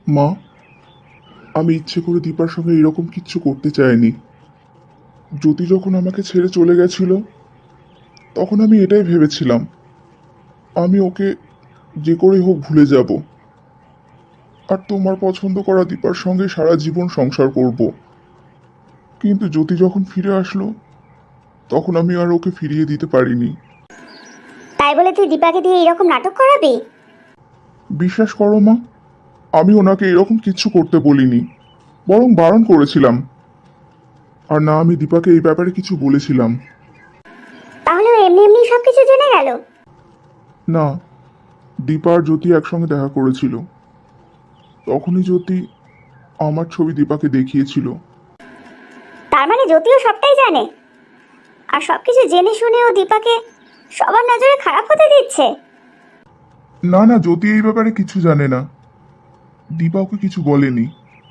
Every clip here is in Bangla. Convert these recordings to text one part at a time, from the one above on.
মা, আমি ইচ্ছে করে দীপার সঙ্গে এরকম কিচ্ছু করতে চাইনি। জ্যোতি যখন আমাকে ছেড়ে চলে গেছিল তখন আমি এটাই ভেবেছিলাম, আমি ওকে যে করেই হোক ভুলে যাব, আর তোমার পছন্দ করা দীপার সঙ্গে সারা জীবন সংসার করব। কিন্তু জ্যোতি যখন ফিরে আসলো তখন আমি আর ওকে ফিরিয়ে দিতে পারিনি। তাই বলে তুই দীপাকে দিয়ে এরকম নাটক করাবি? বিশ্বাস করো মা, আমি ওনাকে এরকম কিচ্ছু করতে বলিনি, বরং বারণ করেছিলাম। আর না, আমি দীপাকে এই ব্যাপারে কিছু বলেছিলাম। তাহলে ও এমনি এমনি সবকিছু জেনে গেল? না, দীপা আর জ্যোতি একসঙ্গে দেখা করেছিল, তখনই জ্যোতি আমার ছবি দীপাকে দেখিয়েছিল। তার মানে জ্যোতিও সবটাই জানে, আর সবকিছু জেনে শুনে ও দীপাকে সবার নজরে খারাপ হতে দিচ্ছে? না না, জ্যোতি এই ব্যাপারে কিছু জানে না, দীপা ওকে কিছু বলেনি।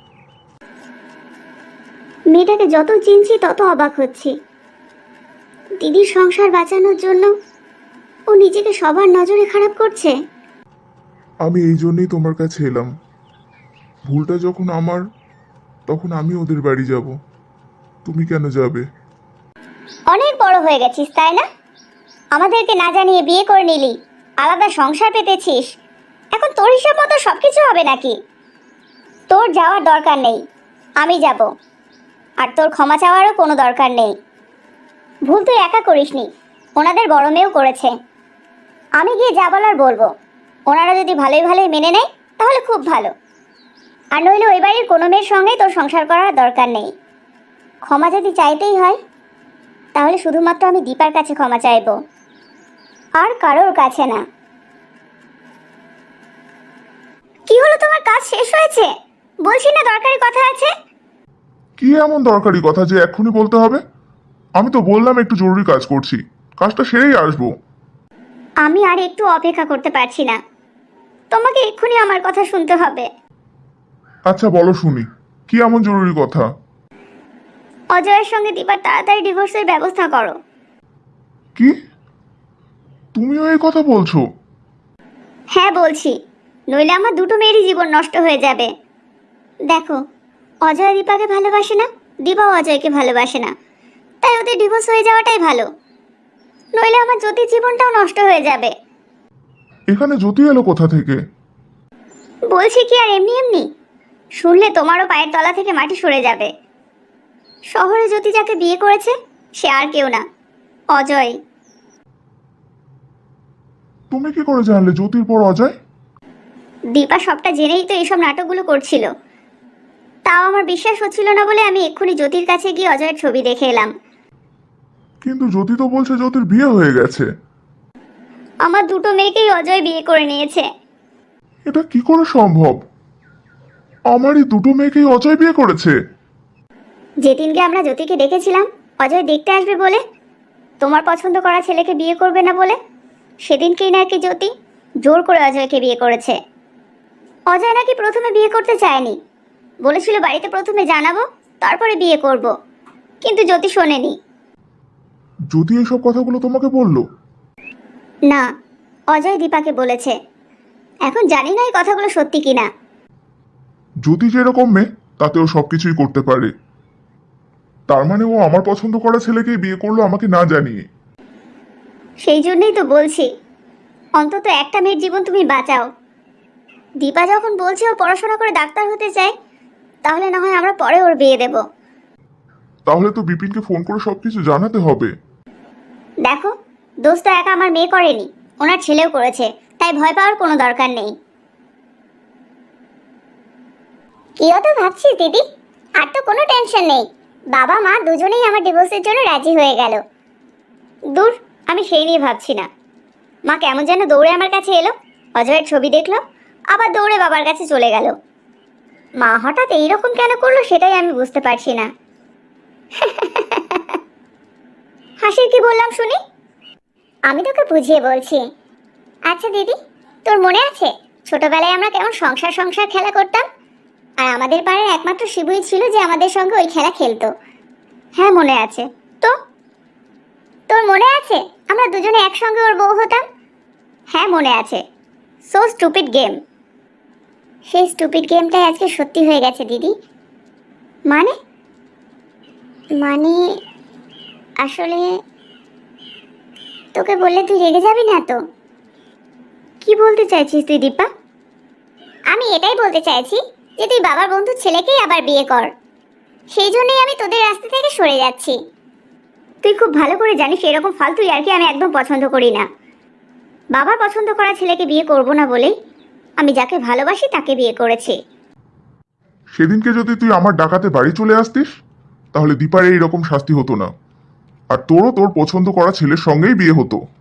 মেয়েটাকে যত চিনছি তত অবাক হচ্ছি। দিদির সংসার বাঁচানোর জন্য ও নিজেকে সবার নজরে খারাপ করছে। আমি এই জন্যই তোমার কাছে এলাম। ভুলটা যখন আমার, তখন আমি ওদের বাড়ি যাব, তুমি কেন যাবে? অনেক বড় হয়ে গেছিস তাই না? আমাদেরকে না জানিয়ে বিয়ে করে নিলি, আলাদা সংসার পেতেছিস, এখন তোর হিসাব মতো সবকিছু হবে নাকি? তোর যাওয়ার দরকার নেই, আমি যাব। আর তোর ক্ষমা চাওয়ারও কোনো দরকার নেই। ভুল তুই একা করিসনি, ওনাদের বড় মেয়েও করেছে। আমি গিয়ে যা বলার বলবো, ওনারা যদি ভালোই ভালোই মেনে নেয় তাহলে খুব ভালো, আর নইলে ওই বাড়ির কোনো মেয়ের সঙ্গেই তোর সংসার করার দরকার নেই। ক্ষমা যদি চাইতেই হয় তাহলে শুধুমাত্র আমি দীপার কাছে ক্ষমা চাইবো, আর কারোর কাছে না। কি হলো, তোমার কাজ শেষ হয়েছে? বলছি না দরকারি কথা আছে। কি এমন দরকারি কথা যে এক্ষুনি বলতে হবে? আমি তো বললাম একটু জরুরি কাজ করছি, কাজটা সেরেই আসবো। আমি আর একটু অপেক্ষা করতে পারছি না, তোমাকে এক্ষুনি আমার কথা শুনতে হবে। আচ্ছা বলো শুনি, কি এমন জরুরি কথা? অজয়ের সঙ্গে দীপার তাড়াতাড়ি ডিভোর্সের ব্যবস্থা করো। কি, তুমিও এই কথা বলছো? হ্যাঁ বলছি, নইলে আমার দুটো মেয়েরই জীবন নষ্ট হয়ে যাবে। দেখো, অজয় দীপাকে ভালোবাসে না, দীপাও অজয়কে ভালোবাসে না, তাই ওদের ডিভোর্স হয়ে যাওয়াটাই ভালো। নইলে আমার জ্যোতির জীবনটাও নষ্ট হয়ে যাবে। এখানে জ্যোতি এলো কোথা থেকে? বলছি কি আর এমনি এমনি? শুনলে তোমারও পায়ের তলা থেকে মাটি সরে যাবে। শহরে জ্যোতি যাকে বিয়ে করেছে সে আর কেউ না, অজয়। তুমি কি করে জানলে জ্যোতির পর অজয়? দীপা সবটা জেনেই তো এইসব নাটকগুলো করছিল। তাও আমার বিশ্বাস হচ্ছিল না বলে আমি এক্ষুনি জ্যোতির কাছে গিয়ে অজয়ের ছবি দেখে এলাম। কিন্তু জ্যোতি তো বলছে জ্যোতির বিয়ে হয়ে গেছে। আমার দুটো মেয়েকেই অজয় বিয়ে করে নিয়েছে। এটা কি করে সম্ভব? আমারই দুটো মেয়েকেই অজয় বিয়ে করেছে? যেদিনকে আমরা জ্যোতিকে ডেকেছিলাম অজয় দেখতে আসবে বলে, তোমার পছন্দ করা ছেলেকে বিয়ে করবে না বলে, সেদিনকেই নাকি জ্যোতি জোর করে অজয়কে বিয়ে করেছে। অজয় নাকি প্রথমে বিয়ে করতে চায়নি, বলেছিল বাড়িতে প্রথমে জানাবো তারপরে বিয়ে করব, কিন্তু জ্যোতি শোনেনি। জ্যোতি এসব কথাগুলো তোমাকে বললো? না, অজয় দীপাকে বলেছে। এখন জানি না এই কথাগুলো সত্যি কিনা। জ্যোতি যেরকম মেয়ে তাতেও সবকিছুই করতে পারে, তার মানে ও আমার পছন্দ করা ছেলেকেই বিয়ে করলো আমাকে না জানিয়ে। সেই জন্যই তো বলছি, অন্তত একটা মেয়ের জীবন তুমি বাঁচাও। দীপা যখন বলছে ও পড়াশোনা করে ডাক্তার হতে চায়, তাহলে না হয় আমরা পরে ওর বিয়ে দেব। তাহলে তো বিপিনকে ফোন করে সবকিছু জানাতে হবে। দেখো, দোষ তো একা আমার মেয়ে করেনি, ওনার ছেলেও করেছে, তাই ভয় পাওয়ার কোনো দরকার নেই। কি অত ভাবছিস দিদি? আর তো কোনো টেনশন নেই, বাবা মা দুজনেই আমার ডিভোর্সের জন্য রাজি হয়ে গেল। দূর, আমি সেই নিয়ে ভাবছি না। মা কেমন যেন দৌড়ে আমার কাছে এলো, অজয়ের ছবি দেখলো, আবার দৌড়ে বাবার কাছে চলে গেল। মা হঠাৎ এইরকম কেন করলো সেটাই আমি বুঝতে পারছি না। হাসির কি বললাম শুনি? আমি তোকে বুঝিয়ে বলছি। আচ্ছা দিদি, তোর মনে আছে ছোটবেলায় আমরা কেমন সংসার সংসার খেলা করতাম, আর আমাদের পাড়ার একমাত্র শিবুই ছিল যে আমাদের সঙ্গে ওই খেলা খেলতো? হ্যাঁ মনে আছে। তো তোর মনে আছে আমরা দুজনে একসঙ্গে ওর বউ হতাম? হ্যাঁ মনে আছে। So stupid game. সেই স্টুপিড গেমটাই আজকে সত্যি হয়ে গেছে দিদি। মানে মানে আসলে তোকে বললে তুই রেগে যাবি না তো? কি বলতে চাইছিস তুই দীপা? আমি এটাই বলতে চাইছি যে তুই বাবার বন্ধুর ছেলেকেই আবার বিয়ে কর। সেই জন্যই আমি তোদের রাস্তা থেকে সরে যাচ্ছি। তুই খুব ভালো করে জানিস এরকম ফালতু ইয়ার্কি আমি একদম পছন্দ করি না। বাবার পছন্দ করা ছেলেকে বিয়ে করব না বলেই আমি যাকে ভালোবাসি তাকে বিয়ে করেছি। সেদিনকে যদি তুই আমার ডাকাতে বাড়ি চলে আসতিস তাহলে দীপার এইরকম শাস্তি হতো না, আর তোরও তোর পছন্দ করা ছেলের সঙ্গেই বিয়ে হতো।